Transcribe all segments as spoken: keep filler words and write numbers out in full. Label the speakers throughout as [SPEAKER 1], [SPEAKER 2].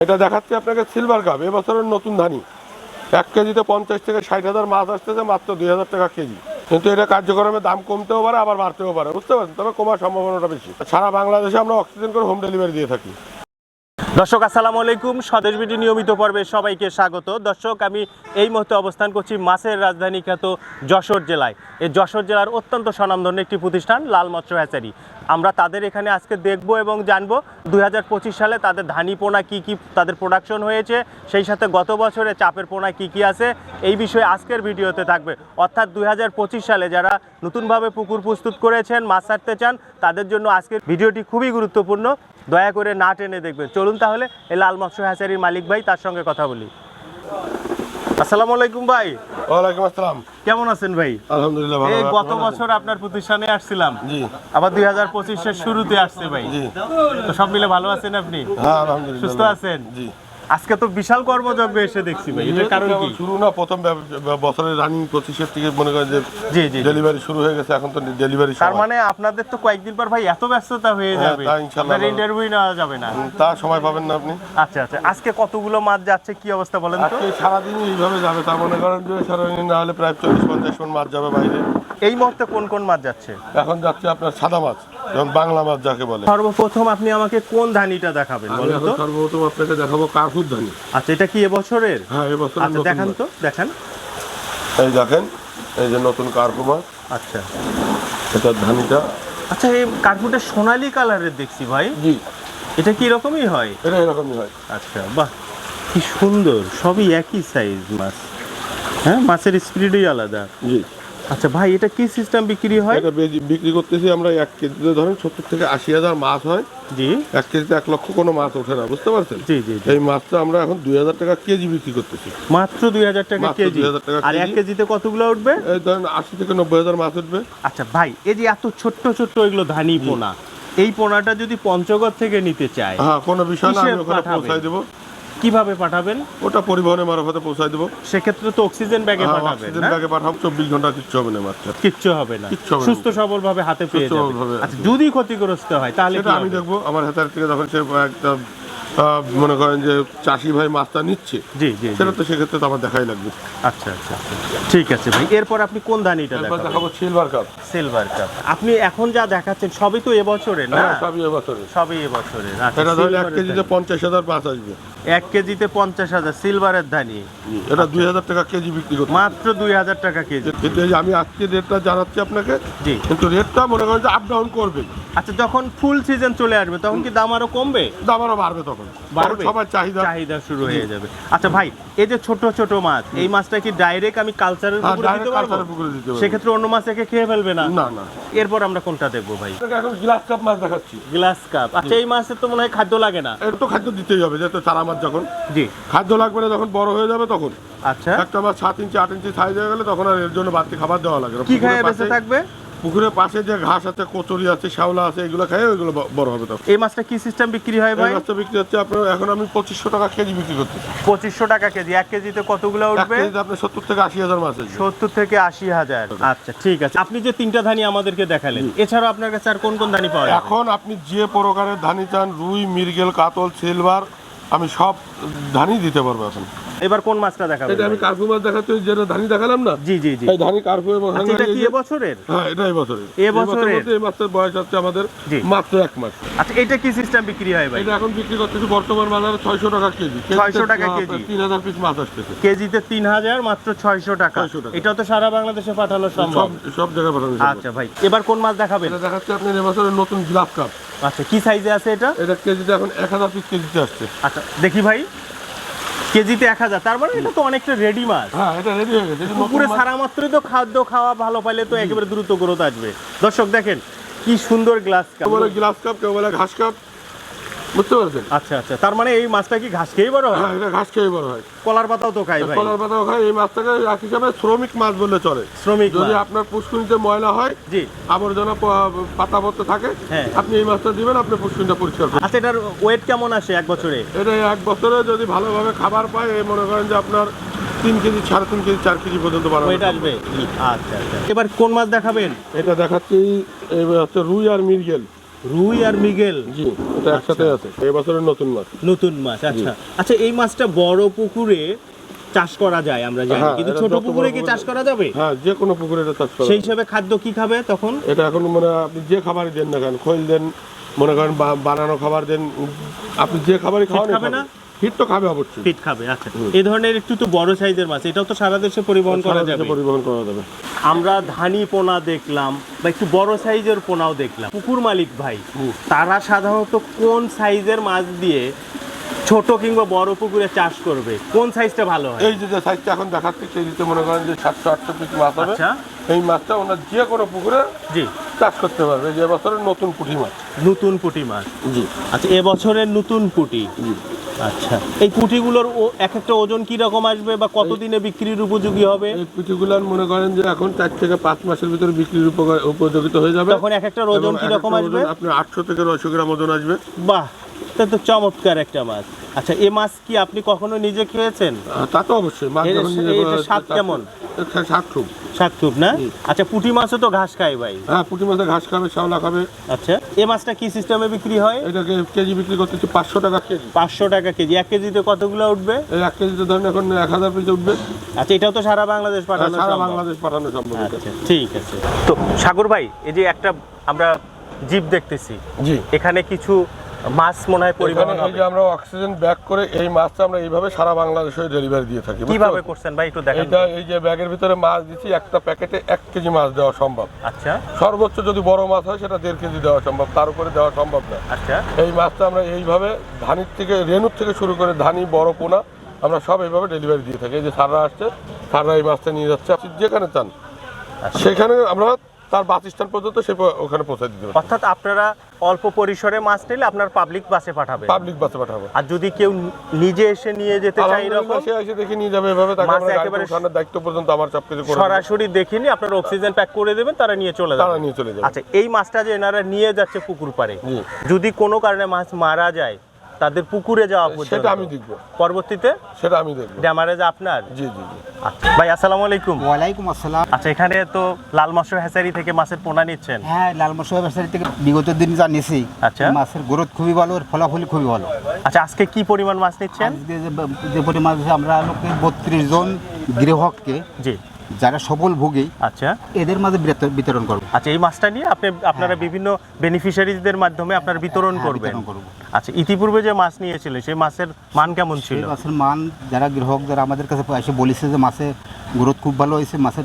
[SPEAKER 1] এটা দেখাচ্ছি আপনাকে সিলভার কাপ, এবছরের নতুন ধানি। এক কেজিতে পঞ্চাশ থেকে ষাট হাজার মাছ আসতেছে, মাত্র দুই হাজার টাকা কেজি। কিন্তু এটা কার্যক্রমে দাম কমতেও পারে, আবার বাড়তেও পারে, বুঝতে পারছেন? তবে কমার সম্ভাবনাটা বেশি। সারা বাংলাদেশে আমরা অক্সিজেন করে হোম ডেলিভারি দিয়ে থাকি।
[SPEAKER 2] দর্শক আসসালামু আলাইকুম, স্বদেশ বিডি নিয়মিত পর্বে সবাইকে স্বাগত। দর্শক, আমি এই মুহূর্তে অবস্থান করছি মাছের রাজধানী খ্যাত যশোর জেলায়। এই যশোর জেলার অত্যন্ত স্বনামধন্য একটি প্রতিষ্ঠান লাল মৎস্য হ্যাচারি। আমরা তাদের এখানে আজকে দেখব এবং জানবো দুই হাজার পঁচিশ সালে তাদের ধানি পোনা কী কী তাদের প্রোডাকশন হয়েছে, সেই সাথে গত বছরে চাপের পোনা কী কী আছে, এই বিষয়ে আজকের ভিডিওতে থাকবে। অর্থাৎ দুই হাজার পঁচিশ সালে যারা নতুনভাবে পুকুর প্রস্তুত করেছেন, মাছ ছাড়তে চান, তাদের জন্য আজকের ভিডিওটি খুবই গুরুত্বপূর্ণ। দয়া করে না টেনে দেখবেন। চলুন তাহলে এই লাল মৎস্য হ্যাচারির মালিক ভাই, তার সঙ্গে কথা বলি। আসসালামু আলাইকুম ভাই।
[SPEAKER 1] ওয়ালাইকুম আসসালাম।
[SPEAKER 2] কেমন আছেন ভাই?
[SPEAKER 1] আলহামদুলিল্লাহ ভালো।
[SPEAKER 2] এই গত বছর আপনার প্রতিষ্ঠানে আসছিলাম,
[SPEAKER 1] জি।
[SPEAKER 2] আবার দুই হাজার পঁচিশের শুরুতে আসছে ভাই।
[SPEAKER 1] জি।
[SPEAKER 2] তো সব মিলে ভালো আছেন আপনি?
[SPEAKER 1] হ্যাঁ আলহামদুলিল্লাহ।
[SPEAKER 2] সুস্থ আছেন?
[SPEAKER 1] জি।
[SPEAKER 2] আজকে তো বিশাল কর্মযজ্ঞ এসে দেখছি ভাই, এটার কারণ কি?
[SPEAKER 1] শুরু না, প্রথম বছরের রানিং পঁচিশের থেকে মনে করেন যে
[SPEAKER 2] জি জি
[SPEAKER 1] ডেলিভারি শুরু হয়ে গেছে, এখন তো ডেলিভারি।
[SPEAKER 2] তার মানে আপনাদের তো কয়েকদিন পর ভাই এত ব্যস্ততা হয়ে যাবে, আপনার ইন্টারভিউ নেওয়া যাবে না,
[SPEAKER 1] তা সময় পাবেন না আপনি।
[SPEAKER 2] আচ্ছা আচ্ছা, আজকে কতগুলো মাছ যাচ্ছে, কি অবস্থা বলেন তো?
[SPEAKER 1] আজকে সারাদিন এইভাবে যাবে, তা মনে করেন যে সারাদিন না হলে প্রায় চল্লিশ পঞ্চাশ মন মাছ যাবে বাইরে।
[SPEAKER 2] এই মুহূর্তে কোন কোন মাছ যাচ্ছে?
[SPEAKER 1] এখন যাচ্ছে আপনার সাদা মাছ, যেমন বাংলা মাছ যাকে বলে।
[SPEAKER 2] সর্বপ্রথম আপনি আমাকে কোন ধানিটা দেখাবেন বলেন তো?
[SPEAKER 1] সর্বপ্রথম আপনাকে দেখাবো কার্পুর ধানি।
[SPEAKER 2] আচ্ছা, এটা কি এবছরের?
[SPEAKER 1] হ্যাঁ এবছর।
[SPEAKER 2] আচ্ছা দেখান তো, দেখান।
[SPEAKER 1] এই দেখেন, এই যে নতুন কার্পু মাছ।
[SPEAKER 2] আচ্ছা,
[SPEAKER 1] এটার ধানিটা।
[SPEAKER 2] আচ্ছা, এই কার্পুটা সোনালী কালারের দেখছি ভাই।
[SPEAKER 1] জি।
[SPEAKER 2] এটা কি রকমই হয়?
[SPEAKER 1] এটা এরকমই হয়।
[SPEAKER 2] আচ্ছা, বাহ, কি সুন্দর, সবই একই সাইজ মাছ। হ্যাঁ, মাছের স্পিডই আলাদা।
[SPEAKER 1] জি।
[SPEAKER 2] আচ্ছা ভাই, এটা কি সিস্টেম বিক্রি হয়?
[SPEAKER 1] এটা বিক্রি করতেছি আমরা এক কেজিতে ধরেন সত্তর থেকে আশি হাজার মাছ হয়।
[SPEAKER 2] জি।
[SPEAKER 1] এক কেজিতে এক লক্ষ কোনো মাছ ওঠে না, বুঝতে পারছেন?
[SPEAKER 2] জি জি।
[SPEAKER 1] এই মাছটা আমরা এখন দুই হাজার টাকা কেজি বিক্রি করতেছি।
[SPEAKER 2] মাত্র দুই হাজার টাকা কেজি? আর এক কেজিতে কতগুলো উঠবে?
[SPEAKER 1] এই ধরেন আশি থেকে নব্বই হাজার মাছ উঠবে।
[SPEAKER 2] আচ্ছা ভাই, এই যে এত ছোট্ট ছোট্ট এগুলো ধানি পোনা, এই পোনাটা যদি পঞ্চগড় থেকে নিতে চায়,
[SPEAKER 1] হ্যাঁ কোনো বিষয় না, আমি ওখানে পৌঁছাই দেবো।
[SPEAKER 2] কিভাবে পাঠাবেন?
[SPEAKER 1] ওটা পরিবহনের মারফতে পৌঁছাই দেবো।
[SPEAKER 2] সেক্ষেত্রে তো অক্সিজেন ব্যাগে পাঠাবেন।
[SPEAKER 1] অক্সিজেন ব্যাগে পাঠাবো, চব্বিশ ঘন্টা কিচ্ছু হবে না, মাত্র
[SPEAKER 2] কিচ্ছু হবে না, সুস্থ সবল ভাবে হাতে পেয়ে যাবে। আচ্ছা, যদি ক্ষতিগ্রস্ত হয় তাহলে
[SPEAKER 1] সেটা আমি দেখবো। আমার হাতের থেকে যখন সে একটা মনে করেন যে চাষি ভাই মাছটা নিচ্ছে, জি জি, সেটা তো সেক্ষেত্রে তো আমার দেখাই লাগবে।
[SPEAKER 2] আচ্ছা আচ্ছা, ঠিক আছে ভাই। এরপর আপনি কোন ধানিটা
[SPEAKER 1] দেখাবো? Silver cup.
[SPEAKER 2] Silver cup. আপনি এখন যা দেখাচ্ছেন সবই তো এবছরের না?
[SPEAKER 1] সবই এবছরের।
[SPEAKER 2] সবই এবছরের।
[SPEAKER 1] এটা ধরুন এক কেজিতে পঞ্চাশ হাজার মাছ আসবে।
[SPEAKER 2] এক কেজিতে পঞ্চাশ হাজার সিলভারের ধানি।
[SPEAKER 1] এটা দুই হাজার টাকা কেজি বিক্রি করতে।
[SPEAKER 2] মাত্র দুই হাজার টাকা কেজি।
[SPEAKER 1] কিন্তু এই যে আমি আজকে রেটটা জানাচ্ছি আপনাকে।
[SPEAKER 2] জি।
[SPEAKER 1] কিন্তু রেটটা মনে করেন যে আপ ডাউন করবে।
[SPEAKER 2] আচ্ছা, যখন ফুল সিজন চলে আসবে তখন কি দাম আরো কমবে?
[SPEAKER 1] দাম আরো বাড়বে, তখন বাড়বে, সবার চাহিদা
[SPEAKER 2] চাহিদা শুরু হয়ে যাবে। আচ্ছা ভাই, এই যে ছোট ছোট মাছ, এই মাছটা কি ডাইরেক্ট আমি কালচারের পুকুরে দিতে পারবো? সেক্ষেত্রে অন্য মাছ একে খেয়ে ফেলবে না?
[SPEAKER 1] না না।
[SPEAKER 2] এরপর আমরা কোনটা দেখবো ভাই?
[SPEAKER 1] এখন গ্লাস কাপ মাছ দেখাচ্ছি।
[SPEAKER 2] Glass cup. আচ্ছা, এই মাছের তো মনে হয় খাদ্য লাগে না?
[SPEAKER 1] এর তো খাদ্য দিতেই হবে, যেহেতু চারা মাছ যখন। জি। খাদ্য লাগবে না, যখন বড় হয়ে যাবে তখন।
[SPEAKER 2] আচ্ছা।
[SPEAKER 1] একটা মাছ সাত ইঞ্চি আট ইঞ্চি সাইজ হয়ে গেলে তখন আর এর জন্য বাড়তি খাবার দেওয়া লাগে না।
[SPEAKER 2] কি খেয়ে বেঁচে থাকবে?
[SPEAKER 1] পুকুরের পাশে যে ঘাস আছে, কচুরি আছে, শ্যাওলা আছে, এগুলো খেয়ে ওইগুলো বড় হবে তখন।
[SPEAKER 2] এই মাছটা কি সিস্টেম বিক্রি হয় ভাই?
[SPEAKER 1] এই মাছটা বিক্রি হচ্ছে আপনার, এখন আমি পঁচিশশো টাকা কেজি বিক্রি করতেছি।
[SPEAKER 2] পঁচিশশো টাকা কেজি। এক কেজিতে কতগুলো উঠবে?
[SPEAKER 1] এক কেজিতে আপনার সত্তর থেকে আশি হাজার মাছ আছে।
[SPEAKER 2] সত্তর থেকে আশি হাজার। আচ্ছা ঠিক আছে। আপনি যে তিনটা ধানি আমাদেরকে দেখালেন, এছাড়াও আপনার কাছে আর কোন কোন ধানি পাওয়া যায়?
[SPEAKER 1] এখন আপনি যে প্রকারের ধানি চান, রুই, মৃগেল, কাতল, সিলভার, আমি সব ধানি দিতে পারবো এখন।
[SPEAKER 2] এবার কোন মাছটা দেখাবেন?
[SPEAKER 1] এটা আমি কার্পু মাছ দেখাচ্ছি, যেটা ধানি দেখালাম না।
[SPEAKER 2] জি জি জি।
[SPEAKER 1] এই ধানি কার্পু এবং
[SPEAKER 2] আচ্ছা, এটা কি এবছরের?
[SPEAKER 1] হ্যাঁ এটা এবছরের।
[SPEAKER 2] এবছরের
[SPEAKER 1] এই মাছের বয়স হচ্ছে আমাদের মাত্র এক মাস।
[SPEAKER 2] আচ্ছা, এটা কি সিস্টেম বিক্রি হয় ভাই?
[SPEAKER 1] এটা এখন বিক্রি করতেছি বর্তমান বাজারে ছয়শো টাকা কেজি।
[SPEAKER 2] ছয়শো টাকা কেজি।
[SPEAKER 1] তিন হাজার পিস মাছ আসতেছে
[SPEAKER 2] কেজিতে তিন হাজার, মাত্র ছয়শো টাকা। এটা তো সারা বাংলাদেশে পাঠানো সম্ভব?
[SPEAKER 1] সব জায়গায় পাঠানো সম্ভব।
[SPEAKER 2] আচ্ছা ভাই, এবার কোন মাছ দেখাবেন?
[SPEAKER 1] এটা দেখাচ্ছি আপনার এবছরের নতুন গ্লাস কাপ।
[SPEAKER 2] আচ্ছা, কি সাইজে আছে এটা?
[SPEAKER 1] এটা কেজিতে এখন এক হাজার পিস কেজিতে আসছে।
[SPEAKER 2] আচ্ছা দেখি ভাই, কেজিতে এক হাজার, তার মানে এটা তো অনেকটা রেডি মাছ।
[SPEAKER 1] হ্যাঁ এটা রেডি হয়ে গেছে।
[SPEAKER 2] পুকুরে ছাড়া মাত্রই তো খাদ্য খাওয়া ভালো পাইলে তো একেবারে দ্রুত গ্রোথ আসবে। দর্শক দেখেন কি সুন্দর গ্লাস কাপ।
[SPEAKER 1] কেউ বলে গ্লাস কাপ, কেউ বলে ঘাস কাপ, বুঝতে পারছেন?
[SPEAKER 2] আচ্ছা আচ্ছা, তার মানে এই মাছটা কি ঘাস খেয়ে বড় হয়?
[SPEAKER 1] হ্যাঁ এটা ঘাস খেয়ে বড় হয়।
[SPEAKER 2] কলার পাতাও তো খায় ভাই?
[SPEAKER 1] কলার পাতাও খায়। এই মাছটাকে এক হিসাবে শ্রমিক মাছ বললে চলে।
[SPEAKER 2] শ্রমিক।
[SPEAKER 1] যদি আপনার পুষ্কুনিতে ময়লা হয়, জি, আবর্জনা পাতাপত্র থাকে, আপনি এই মাছটা দিবেন, আপনি পুষ্কুনিটা পরিষ্কার করবেন।
[SPEAKER 2] আচ্ছা, এটার ওয়েট কেমন আসে এক বছরে?
[SPEAKER 1] এটা এক বছরে যদি ভালোভাবে খাবার পায়, এই মনে করেন যে আপনার তিন কেজি, সাড়ে তিন কেজি, চার কেজি পর্যন্ত বাড়ানো
[SPEAKER 2] আসবে। আচ্ছা আচ্ছা, এবার কোন মাছ দেখাবেন?
[SPEAKER 1] এটা দেখাচ্ছি হচ্ছে রুই আর মৃগেল।
[SPEAKER 2] রুই আর মৃগেল
[SPEAKER 1] জি, এটা একসাথে আছে, এই বছরের নতুন মাছ।
[SPEAKER 2] নতুন মাছ, আচ্ছা আচ্ছা। এই মাছটা বড় পুকুরে চাষ করা যায় আমরা জানি,
[SPEAKER 1] হ্যাঁ,
[SPEAKER 2] কিন্তু
[SPEAKER 1] এটা
[SPEAKER 2] ছোট
[SPEAKER 1] যত
[SPEAKER 2] পুকুরে
[SPEAKER 1] বড়
[SPEAKER 2] কি
[SPEAKER 1] পুকুরে-
[SPEAKER 2] চাষ করা যাবে?
[SPEAKER 1] হ্যাঁ, যে কোনো পুকুরে এটা চাষ করা
[SPEAKER 2] সেই
[SPEAKER 1] যায়।
[SPEAKER 2] হিসাবে খাদ্য কি খাবে তখন?
[SPEAKER 1] এটা এখন মানে আপনি যে খাবারই দেন না কেন, খৈল দেন, মনে করেন বা- বানানো খাবার দেন, আপনি যে খাবারই খাওয়ান
[SPEAKER 2] খাবে না?
[SPEAKER 1] হিট তো খাবে অবশ্যই।
[SPEAKER 2] ফিট খাবে, আচ্ছা। এই ধরনের একটু তো বড় সাইজের মাছ, এটাও তো সারা দেশে পরিবহন করা
[SPEAKER 1] সারা দেশে
[SPEAKER 2] যাবে।
[SPEAKER 1] পরিবহন করা যাবে।
[SPEAKER 2] আমরা ধানি পোনা দেখলাম বা একটু বড় সাইজের পোনাও দেখলাম। পুকুর মালিক ভাই
[SPEAKER 1] হুম।
[SPEAKER 2] তারা সাধারণত কোন সাইজের মাছ দিয়ে ছোট কিংবা বড় পুকুরে চাষ করবে, কোন সাইজটা ভালো হয়?
[SPEAKER 1] এই যে যে সাইজটা এখন দেখাচ্ছে কেজিতে মনে করেন যে সাতশো আটশো পিস মাছ হবে,
[SPEAKER 2] আচ্ছা,
[SPEAKER 1] এই মাছটা ওনার যে কোনো পুকুরে
[SPEAKER 2] জি,
[SPEAKER 1] চাষ করতে পারবে। যে বছরের নতুন পুঁটি মাছ।
[SPEAKER 2] নতুন পুঁটি মাছ,
[SPEAKER 1] জি
[SPEAKER 2] আচ্ছা, এবছরের নতুন পুঁটি।
[SPEAKER 1] জি।
[SPEAKER 2] আচ্ছা, এই পুঁটিগুলোর ও- এক একটা ওজন কি রকম আসবে বা কতদিনে বিক্রির উপযোগী হবে?
[SPEAKER 1] এই পুঁটিগুলার মনে করেন যে এখন চার থেকে পাঁচ মাসের ভিতরে বিক্রির উপকার- উপযোগিত হয়ে যাবে।
[SPEAKER 2] তখন এক একটা ওজন
[SPEAKER 1] এবং
[SPEAKER 2] কি
[SPEAKER 1] এক
[SPEAKER 2] রকম
[SPEAKER 1] একটা
[SPEAKER 2] আসবে?
[SPEAKER 1] ওজন আপনার আটশো থেকে নয়শো গ্রাম ওজন আসবে।
[SPEAKER 2] বাহ, তা তো চমৎকার একটা মাছ। আচ্ছা, এই মাছ কি আপনি কখনো নিজে খেয়েছেন?
[SPEAKER 1] আহ, তা তো অবশ্যই মাছ
[SPEAKER 2] এর-
[SPEAKER 1] যখন নিজে
[SPEAKER 2] এটার
[SPEAKER 1] করে-
[SPEAKER 2] স্বাদ
[SPEAKER 1] চাষ-
[SPEAKER 2] কেমন?
[SPEAKER 1] এর স্বাদ খুব।
[SPEAKER 2] শাকটুক না? আচ্ছা, পুঁটি মাছও তো ঘাস খায় ভাই।
[SPEAKER 1] হ্যাঁ, পুঁটি মাছে ঘাস খাবে, শ্যাওলা খাবে।
[SPEAKER 2] আচ্ছা, এই মাছটা কি সিস্টেমে বিক্রি হয়?
[SPEAKER 1] এটাকে কেজি বিক্রি করতেছি পাঁচশো টাকা কেজি।
[SPEAKER 2] পাঁচশো টাকা কেজি। এক কেজিতে কতগুলো উঠবে?
[SPEAKER 1] এই এক কেজিতে ধরেন এখন এক হাজার পিস উঠবে।
[SPEAKER 2] আচ্ছা, এটাও তো সারা বাংলাদেশ পাঠানো
[SPEAKER 1] সারা
[SPEAKER 2] সম্ভব।
[SPEAKER 1] বাংলাদেশ পাঠানো সম্ভব এটা।
[SPEAKER 2] আচ্ছা, ঠিক আছে। তো সাগর ভাই, এই যে একটা আমরা জিপ দেখতেছি,
[SPEAKER 1] জি।
[SPEAKER 2] এখানে কিছু মাছ মনে হয় পরিবহন
[SPEAKER 1] এখানে এই
[SPEAKER 2] হবে।
[SPEAKER 1] যে আমরা অক্সিজেন ব্যাগ করে এই মাছটা আমরা এইভাবে সারা বাংলাদেশে ডেলিভারি দিয়ে থাকি। বুঝতে
[SPEAKER 2] কিভাবে
[SPEAKER 1] পারছেন?
[SPEAKER 2] করছেন ভাই, একটু দেখান।
[SPEAKER 1] এটা এই যে ব্যাগের ভিতরে মাছ দিচ্ছি, একটা প্যাকেটে এক কেজি মাছ দেওয়া সম্ভব।
[SPEAKER 2] আচ্ছা
[SPEAKER 1] সর্বোচ্চ যদি বড় মাছ হয় সেটা দেড় কেজি দেওয়া সম্ভব, তার উপরে দেওয়া সম্ভব না।
[SPEAKER 2] আচ্ছা,
[SPEAKER 1] এই মাছটা আমরা এইভাবে ধানির থেকে রেনুর থেকে শুরু করে ধানি বড় পোনা আমরা সব এইভাবে ডেলিভারি দিয়ে থাকি। এই যে সাররা আসছে, সাররা এই মাছটা নিয়ে যাচ্ছে, আপনি যেখানে চান
[SPEAKER 2] আচ্ছা।
[SPEAKER 1] সেখানে আমরা তার বাসস্থান পর্যন্ত সে প- ওখানে পৌঁছে দিতে পারি।
[SPEAKER 2] অর্থাৎ আপনারা অল্প পরিসরে মাছ নিলে আপনার পাবলিক বাসে পাঠাবে,
[SPEAKER 1] পাবলিক বাসে পাঠাবো।
[SPEAKER 2] আর যদি কেউ নিজে এসে নিয়ে যেতে চায় এরকম
[SPEAKER 1] আলহামদুলিল্লাহ, সে এসে দেখে নিয়ে যাবে, এভাবে তাকে
[SPEAKER 2] মাছ
[SPEAKER 1] আমরা গাড়িতে
[SPEAKER 2] একেবারে
[SPEAKER 1] ওঠানোর দায়িত্ব পর্যন্ত আমার সব কিছু করে দেব।
[SPEAKER 2] সরাসরি দেখিনি, আপনার অক্সিজেন প্যাক করে দেবেন, তারা নিয়ে চলে
[SPEAKER 1] তারা
[SPEAKER 2] যাবে।
[SPEAKER 1] নিয়ে চলে যাবে।
[SPEAKER 2] আচ্ছা, এই মাছটা যে এনারা নিয়ে যাচ্ছে পুকুর পাড়ে,
[SPEAKER 1] জি।
[SPEAKER 2] যদি কোনো কারণে মাছ মারা যায় তাদের পুকুরে যাওয়া পর্যন্ত
[SPEAKER 1] সেটা আমি দেখবো,
[SPEAKER 2] পরবর্তীতে
[SPEAKER 1] সেটা আমি দেখবো।
[SPEAKER 2] ড্যামারেজ আপনার।
[SPEAKER 1] জি জি জি।
[SPEAKER 2] আচ্ছা ভাই, আসসালামু আলাইকুম।
[SPEAKER 3] ওয়ালাইকুম আসসালাম।
[SPEAKER 2] আচ্ছা, এখানে তো লাল মৎস্য হ্যাচারি থেকে মাছের পোনা নিচ্ছেন।
[SPEAKER 3] হ্যাঁ, লাল মশলা ব্যবসায়ী থেকে বিগত দিন যা নিয়েছি,
[SPEAKER 2] আচ্ছা।
[SPEAKER 3] মাছের গ্রোথ খুবই ভালো, ওর ফলাফল খুবই ভালো।
[SPEAKER 2] আচ্ছা, আজকে কি পরিমাণ মাছ নিচ্ছেন?
[SPEAKER 3] আজকে যে যে পরিমাণ আছে, আমরা লোকে বত্রিশ জন গৃহককে
[SPEAKER 2] জি,
[SPEAKER 3] যারা সফল ভোগী
[SPEAKER 2] আচ্ছা
[SPEAKER 3] এদের মাঝে বিতর- বিতরণ করবো।
[SPEAKER 2] আচ্ছা, এই মাছটা নিয়ে আপনি আপনারা বিভিন্ন বেনিফিশিয়ারিজদের মাধ্যমে আপনারা বিতরণ
[SPEAKER 3] হ্যাঁ,
[SPEAKER 2] করবেন।
[SPEAKER 3] বিতরণ করবো।
[SPEAKER 2] আচ্ছা, ইতিপূর্বে যে মাছ নিয়েছিলেন সেই মাছের মান কেমন ছিল?
[SPEAKER 3] এই মাছের মান যারা গ্রাহক যারা আমাদের কাছে এসে বলেছে যে মাছের গ্রোথ খুব ভালো হয়েছে, মাছের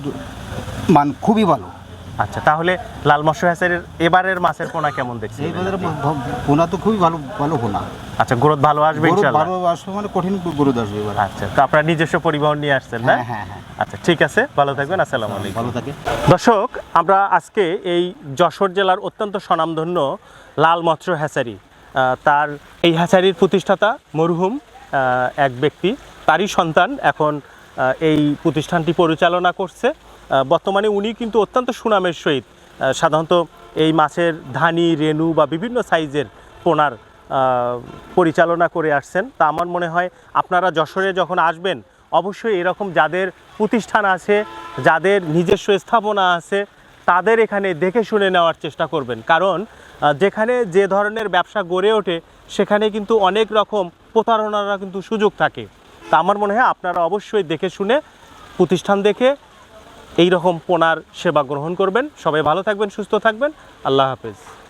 [SPEAKER 3] মান খুবই ভালো।
[SPEAKER 2] আচ্ছা, তাহলে লাল মৎস্য হ্যাচারির এবারের মাছের পোনা কেমন দেখছেন?
[SPEAKER 3] এই বাজারে পোনা তো খুবই ভালো ভালো পোনা,
[SPEAKER 2] আচ্ছা, গ্রোথ ভালো আসবে
[SPEAKER 3] গ্রোথ
[SPEAKER 2] ইনশাআল্লাহ।
[SPEAKER 3] ভালো আসবে, মানে কঠিন গ্রোথ আসবে এবার।
[SPEAKER 2] আচ্ছা, তো আপনারা নিজস্ব পরিবহন নিয়ে আসছেন না?
[SPEAKER 3] হ্যাঁ হ্যাঁ হ্যাঁ,
[SPEAKER 2] আচ্ছা, ঠিক আছে, ভালো থাকবেন, আসসালামু আলাইকুম।
[SPEAKER 3] ভালো থাকে।
[SPEAKER 2] দর্শক, আমরা আজকে এই যশোর জেলার অত্যন্ত স্বনামধন্য লাল মৎস্য হ্যাচারি, আহ, তার এই হ্যাচারির প্রতিষ্ঠাতা মরহুম আহ, এক ব্যক্তি, তারই সন্তান এখন আহ, এই প্রতিষ্ঠানটি পরিচালনা করছে। আহ, বর্তমানে উনি কিন্তু অত্যন্ত সুনামের সহিত আহ, সাধারণত এই মাছের ধানি, রেণু বা বিভিন্ন সাইজের পোনার আহ, পরিচালনা করে আসছেন। তা আমার মনে হয় আপনারা যশোরে যখন আসবেন অবশ্যই এরকম যাদের প্রতিষ্ঠান আছে, যাদের নিজস্ব স্থাপনা আছে, তাদের এখানে দেখে শুনে নেওয়ার চেষ্টা করবেন। কারণ আহ, যেখানে যে ধরনের ব্যবসা গড়ে ওঠে সেখানে কিন্তু অনেক রকম প্রতারণার কিন্তু সুযোগ থাকে। তা আমার মনে হয় আপনারা অবশ্যই দেখে শুনে প্রতিষ্ঠান দেখে এই রকম পোনার সেবা গ্রহণ করবেন। সবাই ভালো থাকবেন, সুস্থ থাকবেন, আল্লাহ হাফেজ।